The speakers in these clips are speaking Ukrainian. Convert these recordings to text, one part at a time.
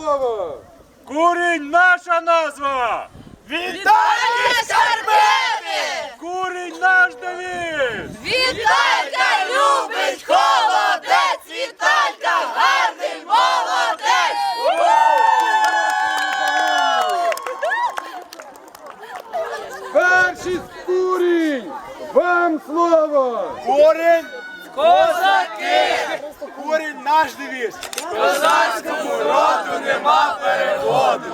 слово! Курінь наша назва! Вітальні Щербини! Курінь наш девіз! Віталька любить холодець! Віталька гарний молодець! Перший курінь! Вам слово! Курінь! Козаки! Курінь наш девіз! Козацькому роду нема переходу!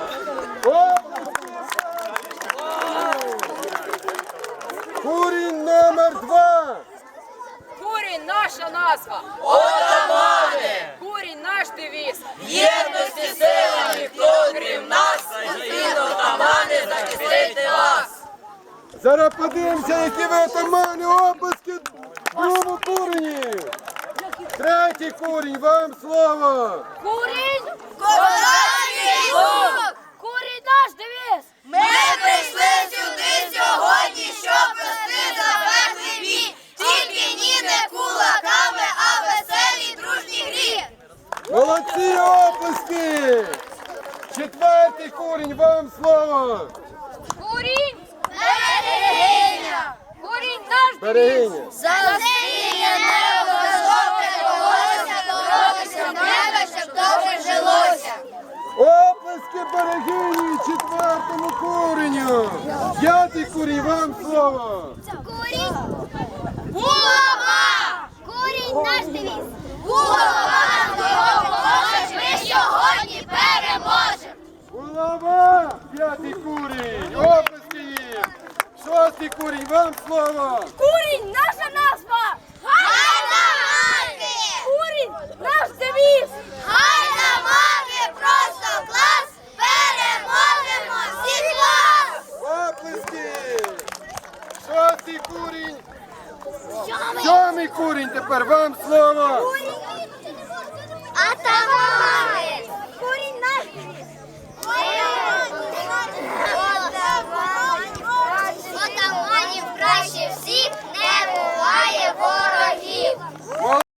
Курінь номер 2! Курінь наша назва. Отамани! Курінь наш девіз. В єдності сила ніхто, крім нас, один отамани захистити вас! Зараз подивимося, які ви отамани, обласки другому курені! Третій курінь, вам слово! Курінь. Козацький лук! Курінь наш девіз. Ми прийшли сюди сьогодні, щоб вести запеклий бій. Тільки ні не кулаками, а веселі дружні грі. Молодці обласки! Четвертий курінь, вам слово! Курінь. Берегиня! Курінь наш девіз. Берегиня! Засіння небо, високе волосся, боротися в небо, щоб добре жилося. Обласки берегині четвертому куреню! П'ятий курінь, вам слово! Курінь! Булава! Курінь наш девіз. Булава допоможеш, ми сьогодні переможемо! Булава! П'ятий курінь! Обласки їм! Шостий курінь, вам слово! Курінь наша назва. Гайдамаки! Курінь наш девіз. Гайдамаки! Просто клас! Переможемо всіх вас! Обласки! Шостий курінь! Сьомий курінь тепер, вам слово!